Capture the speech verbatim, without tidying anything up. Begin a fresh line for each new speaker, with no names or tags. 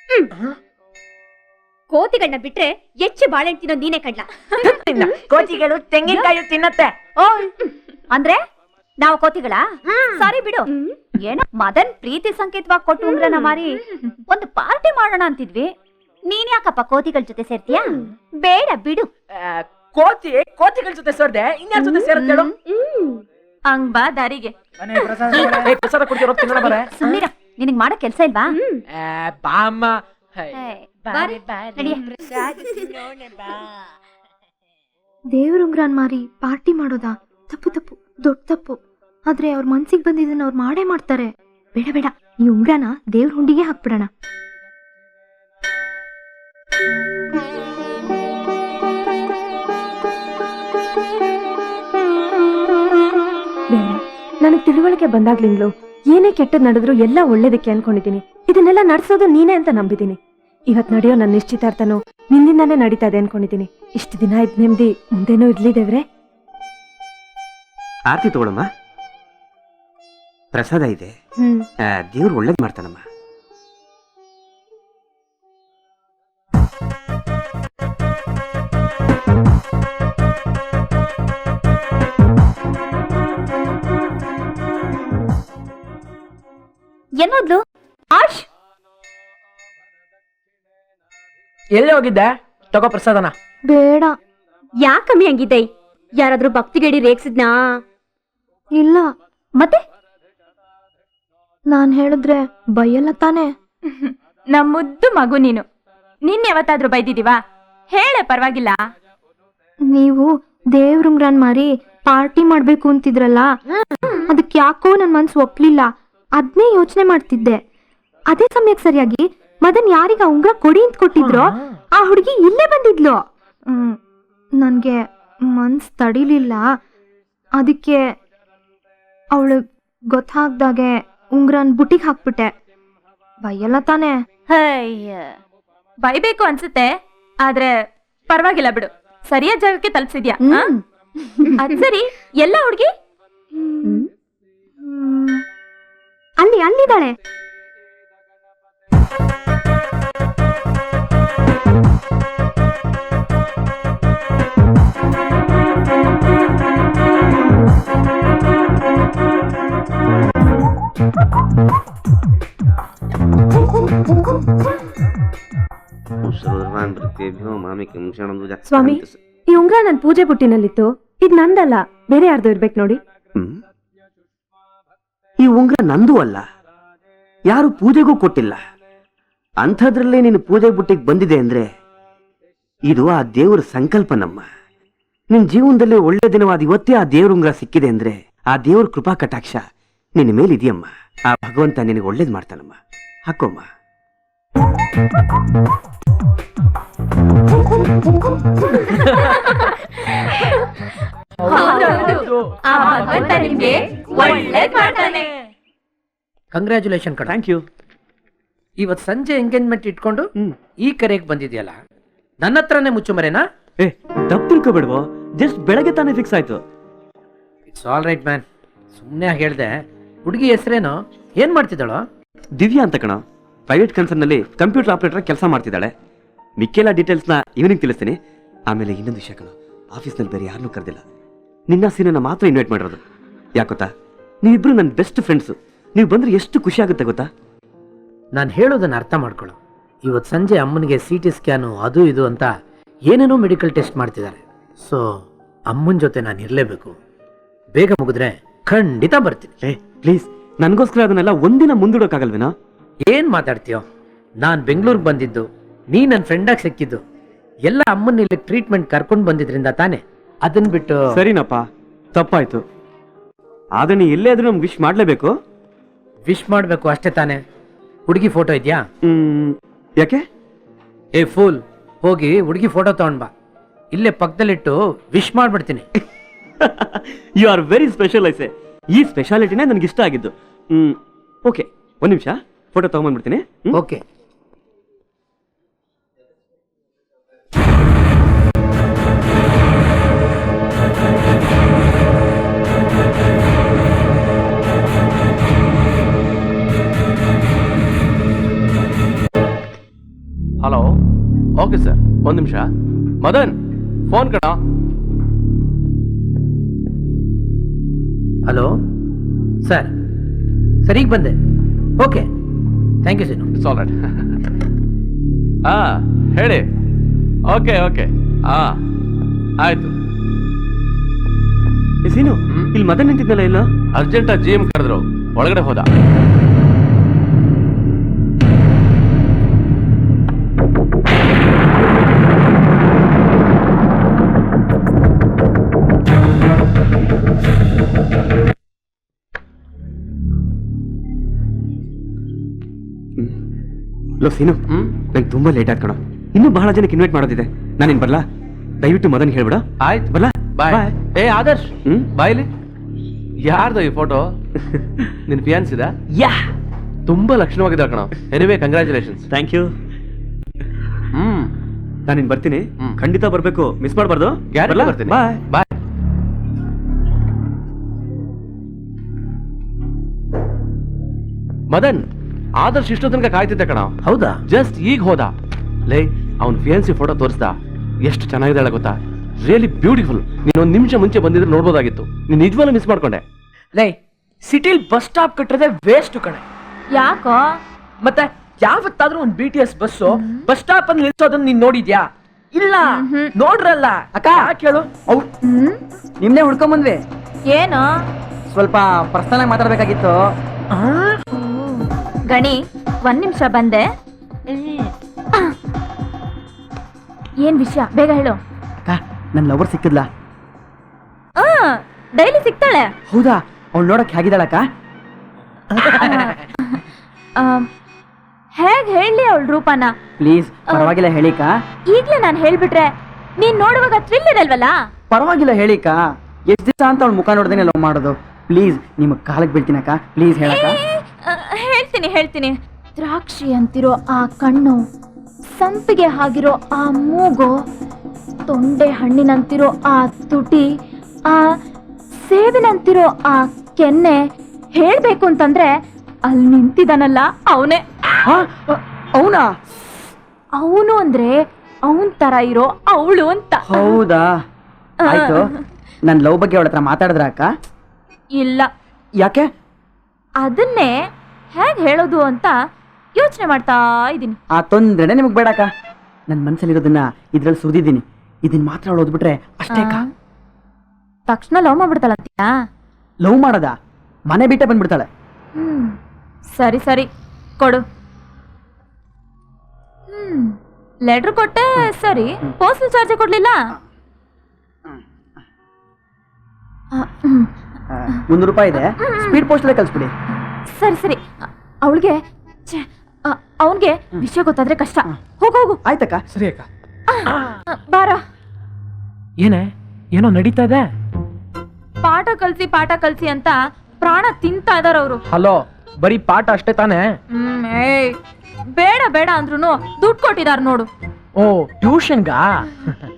ಕೋತಿಗಳನ್ನ ಬಿಟ್ರೆ ಹೆಚ್ಚು ಬಾಳೆಹಣ್ಣು ತಿನ್ನೋ ನೀನೇ ಕಡ್ಲ.
ಕೋತಿಗಳು ತೆಂಗಿನಕಾಯಿ ತಿನ್ನತ್ತೆ.
ಓ ಅಂದ್ರೆ ನಾವು ಕೋತಿಗಳ? ಸಾರಿ ಬಿಡು. ಏನೋ ಮದನ್ ಪ್ರೀತಿ ಸಂಕೇತವಾಗಿ ಕೊಟ್ಟು ಉಂಗ್ರನ ಮಾರಿ ಒಂದು ಪಾರ್ಟಿ ಮಾಡೋಣ ಅಂತಿದ್ವಿ. ನೀನ್ ಯಾಕಪ್ಪ ಕೋತಿಗಳ ಜೊತೆ ಸೇರ್ತೀಯಾ? ಬೇಡ ಬಿಡು.
ಕೋತಿ ಕೋತಿಗಳ ಜೊತೆ ಸೇರ್ದೆ ಇನ್ಯಾರ ಜೊತೆ ಸೇರುತ್ತೇಳು?
ಹಂಗ್ ಬಾ ದಾರಿಗೆ.
ಪ್ರಸಾದ ಕೊಡ್ತಿರೋ ತಿನ್ನೋಣ ಬರ.
ಸುಮ್ಮನಿರ, ನಿನಗ್ ಮಾಡೋ ಕೆಲ್ಸ ಇಲ್ವಾ?
ಬಾಮ್ಮ
ದೇವ್ರುಂಗ್ರನ್ ಮಾರಿ ಪಾರ್ಟಿ ಮಾಡೋದಾ? ತಪ್ಪು ತಪ್ಪು, ದೊಡ್ಡ ತಪ್ಪು. ಆದ್ರೆ ಅವ್ರ ಮನ್ಸಿಗೆ ಬಂದಿದ್ದನ್ನ ಅವ್ರು ಮಾಡೇ ಮಾಡ್ತಾರೆ. ಬೇಡ ಬೇಡ, ಈ ಉಂಗ್ರನ ದೇವ್ರ ಹುಂಡಿಗೆ ಹಾಕ್ಬಿಡೋಣ.
ನನಗ್ ತಿಳುವಳಿಕೆ ಬಂದಾಗ್ಲಿಂಗ್ಲು ಏನೇ ಕೆಟ್ಟದ್ ನಡೆದ್ರು ಎಲ್ಲ ಒಳ್ಳೇದಕ್ಕೆ ಅನ್ಕೊಂಡಿದೀನಿ. ಇದನ್ನೆಲ್ಲ ನಡ್ಸೋದು ನೀನೇ ಅಂತ ನಂಬಿದೀನಿ. ಇವತ್ ನಡೆಯೋ ನನ್ನ ನಿಶ್ಚಿತಾರ್ಥನು ನಿನ್ನಿಂದಾನೇ ನಡೀತಾ ಇದೆ ಅನ್ಕೊಂಡಿದೀನಿ. ಇಷ್ಟು ದಿನ ಇದ್ ನೆಮ್ಮದಿ ಮುಂದೇನೂ ಇರ್ಲಿ ದೇವ್ರೆ.
ಆರ್ತಿ ತಗೊಳಮ್ಮ, ಪ್ರಸಾದ ಇದೆ. ದೇವ್ರು ಒಳ್ಳೇದ್ ಮಾಡ್ತಾನಮ್ಮ.
ಏನೋದ್ಲು ಆಶ್?
ಎಲ್ಲಿ ಹೋಗಿದ್ದೆ? ತಗೋ ಪ್ರಸಾದನ.
ಬೇಡ.
ಯಾಕಮ್ಮಿ ಹಂಗಿದ್ದೆ? ಯಾರಾದ್ರೂ ಭಕ್ತಿಗೇಡಿ ರೇಗ್ಸಿದ್ನಾ?
ಇಲ್ಲ.
ಮತ್ತೆ
ನಾನ್ ಹೇಳಿದ್ರೆ ಬೈಯಲ್ಲ ತಾನೆ?
ನಮ್ಮ ಮುದ್ದು ಮಗು ನೀನು. ನಿನ್ ಯಾವತ್ತಾದ್ರೂ ಬೈದಿದೀವಾ? ಹೇಳೆ, ಪರವಾಗಿಲ್ಲ.
ನೀವು ದೇವ್ರುಂಗ್ರನ್ ಮಾರಿ ಪಾರ್ಟಿ ಮಾಡ್ಬೇಕು ಅಂತಿದ್ರಲ್ಲ, ಅದಕ್ಕೆ ಯಾಕೋ ನನ್ ಮನ್ಸು ಒಪ್ಲಿಲ್ಲ. ಅದ್ನೇ ಯೋಚನೆ ಮಾಡ್ತಿದ್ದೆ. ಅದೇ ಸಮಯಕ್ಕೆ ಸರಿಯಾಗಿ ಮದನ್ ಯಾರಿಗ ಉಂಗ್ರ ಕೊಡಿ ಅಂತ ಕೊಟ್ಟಿದ್ರು, ಆ ಹುಡುಗಿ ಇಲ್ಲೇ ಬಂದಿದ್ಲು. ಹ್ಮ್ ನನ್ಗೆ ಮನ್ಸ್ ತಡಿಲಿಲ್ಲ. ಅದಕ್ಕೆ ಅವಳು ಗೊತ್ತಾಗ್ದಾಗೆ ಉಂಗ್ರನ್ ಬುಟ್ಟಿಗೆ ಹಾಕ್ಬಿಟ್ಟೆ. ಬೈಯಲ್ಲ ತಾನೆ?
ಅಯ್ಯ, ಬೈಬೇಕು ಅನ್ಸುತ್ತೆ, ಆದ್ರೆ ಪರವಾಗಿಲ್ಲ ಬಿಡು. ಸರಿಯಾದ ಜಾಗಕ್ಕೆ ತಲುಪಿಸಿದ್ಯಾ. ಅದ್ ಸರಿ, ಎಲ್ಲ ಹುಡುಗಿ
ಅಲ್ಲಿ ಅಲ್ಲಿದ್ದಾಳೆ.
ಸ್ವಾಮಿ, ಈ ಉಂಗ್ರ ನನ್ ಪೂಜೆ ಬುಟ್ಟಿನಲ್ಲಿತ್ತು. ಇದ್ ನಂದಲ್ಲ, ಬೇರೆ ಯಾರ್ದು ಇರ್ಬೇಕು ನೋಡಿ.
ಈ ಉಂಗ್ರ ನಂದು ಅಲ್ಲ, ಯಾರು ಪೂಜೆಗೂ ಕೊಟ್ಟಿಲ್ಲ. ಅಂಥದ್ರಲ್ಲೇ ನೀನು ಪೂಜೆ ಬುಟ್ಟಿಗೆ ಬಂದಿದೆ ಅಂದ್ರೆ ಇದು ಆ ದೇವರ ಸಂಕಲ್ಪನಮ್ಮ. ನಿನ್ ಜೀವನದಲ್ಲಿ ಒಳ್ಳೆ ದಿನವಾದ ಇವತ್ತೇ ಆ ದೇವ್ರ ಉಂಗ್ರ ಸಿಕ್ಕಿದೆ ಅಂದ್ರೆ ಆ ದೇವ್ರ ಕೃಪಾ ಕಟಾಕ್ಷ ನಿನ್ನ ಮೇಲೆ ಇದೆಯಮ್ಮ. ಆ ಭಗವಂತ ನಿನಗೆ ಒಳ್ಳೇದ್ ಮಾಡ್ತಾನಮ್ಮ. ಹಾಕೋಮ್ಮ.
ಕಂಗ್ರ್ಯಾಚುಲೇಷನ್ ಕಣ.
Thank you.
ಇವತ್ ಸಂಜೆ ಎಂಗೇಜ್ಮೆಂಟ್ ಇಟ್ಕೊಂಡು ಈ ಕರೆಗೆ ಬಂದಿದ್ಯಲ್ಲ, ನನ್ನ ಹತ್ರನೇ ಮುಚ್ಚುಮರೇನಾ?
ಏ, ತಪ್ಪು ತಿಳ್ಕೊಬೇಡ್ವೋ, ಜಸ್ಟ್ ಬೆಳಗ್ಗೆ ತಾನೇ ಫಿಕ್ಸ್ ಆಯ್ತು.
It's all right man. ಸುಮ್ಮನೆ ಹೇಳ್ದೆ. ಹುಡುಗಿ ಹೆಸರೇನು? ಏನ್ ಮಾಡ್ತಿದ್ದಾಳೋ?
ದಿವ್ಯಾ ಅಂತ ಕಣ. ಪ್ರೈವೇಟ್ ಕನ್ಸರ್ನ್ ನಲ್ಲಿ ಕಂಪ್ಯೂಟರ್ ಆಪರೇಟರ್ ಕೆಲಸ ಮಾಡ್ತಿದ್ದಾಳೆ. ಮಿಕ್ಕೆಲ್ಲ ಡೀಟೇಲ್ಸ್ ನ ಈವ್ನಿಂಗ್ ತಿಳಿಸ್ತೀನಿ. ಆಮೇಲೆ ಇನ್ನೊಂದು ವಿಷಯ ಕಣ, ಆಫೀಸ್ನಲ್ಲಿ ಬೇರೆ ಯಾರನ್ನೂ ಕರೆದಿಲ್ಲ, ನಿನ್ನ ಸೀನನ್ನ ಮಾತ್ರ ಇನ್ವೈಟ್ ಮಾಡಿರೋದು. ಯಾಕೊತ್ತಾ, ನೀವಿಬ್ರು ನನ್ನ ಬೆಸ್ಟ್ ಫ್ರೆಂಡ್ಸು. ನೀವು ಬಂದ್ರೆ ಎಷ್ಟು ಖುಷಿ ಆಗುತ್ತೆ ಗೊತ್ತಾ?
ನಾನು ಹೇಳೋದನ್ನ ಅರ್ಥ ಮಾಡ್ಕೊಳ್ಳೋ. ಇವತ್ತು ಸಂಜೆ ಅಮ್ಮನಿಗೆ ಸಿ ಟಿ ಸ್ಕ್ಯಾನು ಅದು ಇದು ಅಂತ ಏನೇನೋ ಮೆಡಿಕಲ್ ಟೆಸ್ಟ್ ಮಾಡ್ತಿದ್ದಾರೆ. ಸೊ ಅಮ್ಮನ ಜೊತೆ ನಾನು ಇರಲೇಬೇಕು. ಬೇಗ ಮುಗಿದ್ರೆ ಖಂಡಿತ ಬರ್ತೀನಿ.
ಏ ಪ್ಲೀಸ್, ನನಗೋಸ್ಕರ ಅದನ್ನೆಲ್ಲ ಒಂದಿನ ಮುಂದೂಡೋಕ್ಕಾಗಲ್ವೇನಾ?
ಏನ್ ಮಾತಾಡ್ತೀಯೋ? ನಾನು ಬೆಂಗಳೂರಿಗೆ ಬಂದಿದ್ದು, ನೀ ನನ್ನ ಫ್ರೆಂಡಾಗಿ ಸಿಕ್ಕಿದ್ದು ಎಲ್ಲ ಅಮ್ಮನ ಇಲ್ಲಿ ಟ್ರೀಟ್ಮೆಂಟ್ ಕರ್ಕೊಂಡು ಬಂದಿದ್ರಿಂದ ತಾನೆ. ಅದನ್ನ ಬಿಟ್ಟು
ಸರಿನಪ್ಪ, ತಪ್ಪಾಯ್ತು. ಆದ್ರೆ ನೀ ಎಲ್ಲೇ ಆದ್ರೂ ನಮ್ಗೆ ವಿಶ್ ಮಾಡ್ಲೇಬೇಕು.
ವಿಶ್ ಮಾಡಬೇಕು ಅಷ್ಟೇ ತಾನೆ. ಹುಡುಗಿ ಫೋಟೋ ಇದೆಯಾ?
ಹ್ಮ್ ಯಾಕೆ?
ಏ ಫೂಲ್, ಹೋಗಿ ಹುಡುಗಿ ಫೋಟೋ ತಗೊಂಡ್ ಬಾ. ಇಲ್ಲೇ ಪಕ್ಕದಲ್ಲಿಟ್ಟು ವಿಶ್ ಮಾಡ್ಬಿಡ್ತೀನಿ.
ಯು ಆರ್ ವೆರಿ ಸ್ಪೆಷಲ್ ಐಸೆ. ಈ ಸ್ಪೆಷಾಲಿಟಿನೇ ನನಗೆ ಇಷ್ಟ ಆಗಿದ್ದು. ಹ್ಮ್ ಓಕೆ, ಒಂದ್ ನಿಮಿಷ ಫೋಟೋ ತಗೊಂಡ್ಬಂದ್ಬಿಡ್ತೀನಿ.
ಓಕೆ.
ಹಲೋ ಓಕೆ ಸರ್ ಒಂದು ನಿಮಿಷ ಮದನ್ ಫೋನ್ ಕಣ.
ಹಲೋ ಸರ್ ಸರ್ ಈಗ ಬಂದೆ. Okay thank you Seenu.
It's all right. ಹಾ ಹೇಳಿ. ಓಕೆ ಓಕೆ ಹಾ ಆಯ್ತು.
ಏ ಸೀನು, ಇಲ್ಲಿ ಮದನ್ ನಿಂತಿದ್ನಲ್ಲ ಇಲ್ಲ?
ಅರ್ಜೆಂಟ್ ಜಿ ಎಂ ಕರೆದ್ರು, ಒಳಗಡೆ ಹೋದ.
ಲೋ ಸೀನು,
ಹ್ಮ್
ನಂಗೆ ತುಂಬಾ ಲೇಟ್ ಆಯ್ತು ಕಣ. ಇನ್ನೂ ಬಹಳ ಜನಕ್ಕೆ ಇನ್ವೈಟ್ ಮಾಡೋದಿದೆ. ನಾನೇನ್ ಬರ್ಲಾ? ದಯವಿಟ್ಟು ಮದನ್ ಹೇಳ್ಬಿಡ.
ಆಯ್ತು
ಬರ್ಲಾ?
ಬಾಯ್.
ಬಾಯ್.
ಏ ಆದರ್ಶ್
ಹ್ಮ್
ಬಾಯ್ಲಿ. ಯಾರ್ದು ಈ ಫೋಟೋ? ನಿನ್ ಫಿಯಾನ್ಸ್ ಇದ?
ಯಾ
ತುಂಬಾ ಲಕ್ಷಣವಾಗಿದೆ ಕಣ. Anyway congratulations.
Thank you.
ಹ್ಮ್
ನಾನಿನ್ ಬರ್ತೀನಿ.
ಹ್ಮ್.
ಖಂಡಿತ ಬರ್ಬೇಕು, ಮಿಸ್ ಮಾಡಬಾರ್ದು.
ಗ್ಯಾರಂಟಿ ಬರ್ತೀನಿ.
ಬಾಯ್
ಬಾಯ್. ಮದನ್ ಆದರ್ಶ್ ಇಷ್ಟೋ ತನಕ ಕಾಯ್ತಿದ್ದೆ ಕಣ.
ಹೌದಾ?
ಜಸ್ಟ್ ಈಗ ಹೋದ. ಲೇ ಅವ್ನ್ ಫಿಯಾನ್ಸಿ ಫೋಟೋ ತೋರಿಸ್ದ. ಎಷ್ಟು ಚೆನ್ನಾಗಿದ್ದಾಳೆ ಗೊತ್ತಾ? Really beautiful. ನೀನ್ ಒಂದ್ ನಿಮಿಷ ಮುಂಚೆ ಬಂದಿದ್ರೆ ನೋಡ್ಬೋದಾಗಿತ್ತು. ನೀನ್ ನಿಜವಾಗ್ಲೂ ಮಿಸ್ ಮಾಡ್ಕೊಂಡೆ.
ಲೈ ಸಿಟಿಲ್ ಬಸ್ ಸ್ಟಾಪ್ ಕಟ್ಟದೆ ವೇಸ್ಟ್ ಕಣೆ.
ಯಾಕೋ?
ಮತ್ತೆ ಯಾವತ್ತಾದ್ರೂ ಒಂದ್ B T S bus bus stop ಅಲ್ಲಿ ನಿಲ್ಸೋದನ್ನ ನೀನ್ ನೋಡಿದ್ಯಾ? ಇಲ್ಲ, ನೋಡ್ರಲ್ಲ. ಅಕ್ಕ ಯಾಕೆ ಹೇಳು? ಅವ್ ನಿಮ್ನೆ ಹುಡ್ಕೊಂಡ್ ಬಂದ್ವಿ.
ಏನು?
ಸ್ವಲ್ಪ ಪರ್ಸನಲ್ ಆಗಿ ಮಾತಾಡ್ಬೇಕಾಗಿತ್ತು.
ಗಣಿ ಒಂದ್ ನಿಮಿಷ ಬಂದೆ. ಏನ್ ವಿಷಯ ಬೇಗ ಹೇಳು.
ಅಕ್ಕ ನನ್ ಲವರ್ ಸಿಕ್ಕಿದ್ಲಾ?
ಡೈಲಿ ಸಿಗ್ತಾಳೆ.
ಹೌದಾ? ಅವ್ಳು ನೋಡಕ್ ಹೇಗಿದ್ದಾಳಕ್ಕ?
ಹೇಗ್ ಹೇಳಿ ಅವಳ ರೂಪನ?
ಪ್ಲೀಸ್ ಪರವಾಗಿಲ್ಲ ಹೇಳಿಕ.
ಈಗ್ಲೇ ನಾನ್ ಹೇಳ್ಬಿಟ್ರೆ ನೀನ್ ನೋಡುವಾಗ ಥ್ರಿಲ್ ಇರಲ್ವಲ್ಲ?
ಪರವಾಗಿಲ್ಲ ಹೇಳಿಕ. ಎಷ್ಟ್ ದಿವಸ ಅಂತ ಅವಳ ಮುಖ ನೋಡ್ದೇನೆ ಲವ್ ಮಾಡೋದು. ಪ್ಲೀಸ್ ನಿಮ್ ಕಾಲಕ್ ಬೀಳ್ತೀನಕ್ಕ, ಪ್ಲೀಸ್ ಹೇಳಕ್ಕ.
ಆ, ಹೇಳ್ತೀನಿ ಹೇಳ್ತೀನಿ. ದ್ರಾಕ್ಷಿ ಅಂತಿರೋ ಆ ಕಣ್ಣು, ಸಂಪಿಗೆ ಆಗಿರೋ ಆ ಮೂಗು, ತೊಂಡೆ ಹಣ್ಣಿನಂತಿರೋ ಆ ತುಟಿ, ಆ ಸೇಬಿನಂತಿರೋ ಆ ಕೆನ್ನೆ, ಹೇಳ್ಬೇಕು ಅಂತಂದ್ರೆ ಅಲ್ಲಿ ನಿಂತಿದಾನಲ್ಲ ಅವನೇ.
ಅವನಾ?
ಅವನು ಅಂದ್ರೆ ಅವನ್ ತರ ಇರೋ ಅವಳು ಅಂತ.
ಹೌದಾ? ಆಯ್ತು. ನನ್ ಲವ್ ಬಗ್ಗೆ ಅವಳ ಹತ್ರ ಮಾತಾಡಿದ್ರ ಅಕ್ಕ?
ಇಲ್ಲ.
ಯಾಕೆ?
ಅದನ್ನೇ ಹೇಗ್ ಹೇಳೋದು ಅಂತ ಯೋಚನೆ ಮಾಡ್ತಾ ಇದೀನಿ.
ಆ ತೊಂದ್ರೆನೆ ನಿಮಗ್ ಬೇಡಕ್ಕ. ನನ್ ಮನ್ಸಲ್ಲಿರೋದನ್ನ ಇದ್ರಲ್ಲಿ ಸುರಿದಿದ್ದೀನಿ. ಇದನ್ ಮಾತ್ರ ಅವಳು ಓದ್ಬಿಟ್ರೆ ಅಷ್ಟೇ ಅಕ್ಕ.
ತಕ್ಷಣ ಲವ್ ಮಾಡ್ಬಿಡ್ತಾಳಂತೀಯಾ?
ಲವ್ ಮಾಡದ ಮನೆ ಬಿಟ್ಟೆ ಬಂದ್ಬಿಡ್ತಾಳೆ.
ಹ್ಮ್ ಸರಿ ಸರಿ ಕೊಡು. ಹ್ಮ್ ಲೆಟರ್ ಕೊಟ್ಟೆ ಸರಿ, ಪೋಸ್ಟಲ್ ಚಾರ್ಜ್ ಕೊಡ್ಲಿಲ್ಲ.
ಮುನ್ನೂರು ರೂಪಾಯಿ ಇದೆ, ಸ್ಪೀಡ್ ಪೋಸ್ಟ್ ಅಲ್ಲೇ ಕಳ್ಸ್ಬಿಡಿ.
ಸರಿ ಸರಿ. ಅವಳಿಗೆ ಅವನ್ಗೆ ವಿಷಯ ಗೊತ್ತಾದ್ರೆ ಕಷ್ಟ. ಹೋಗು ಹೋಗು.
ಆಯ್ತಕ್ಕ.
ಸರಿ ಅಕ್ಕ.
ಬಾರ.
ಏನೇ ಏನೋ ನಡೀತಾ ಇದೆ?
ಪಾಠ ಕಲ್ಸಿ ಪಾಠ ಕಲ್ಸಿ ಅಂತ ಪ್ರಾಣ ತಿಂತಾ ಇದಾರ ಅವರು.
ಹಲೋ, ಬರೀ ಪಾಠ ಅಷ್ಟೇ ತಾನೇ?
ಹ್ಮ್ ಏಯ್ ಬೇಡ ಬೇಡ ಅಂದ್ರೂ ದುಡ್ಡು ಕೊಟ್ಟಿದಾರ ನೋಡು.
ಓ ಟ್ಯೂಷನ್ಗಾ?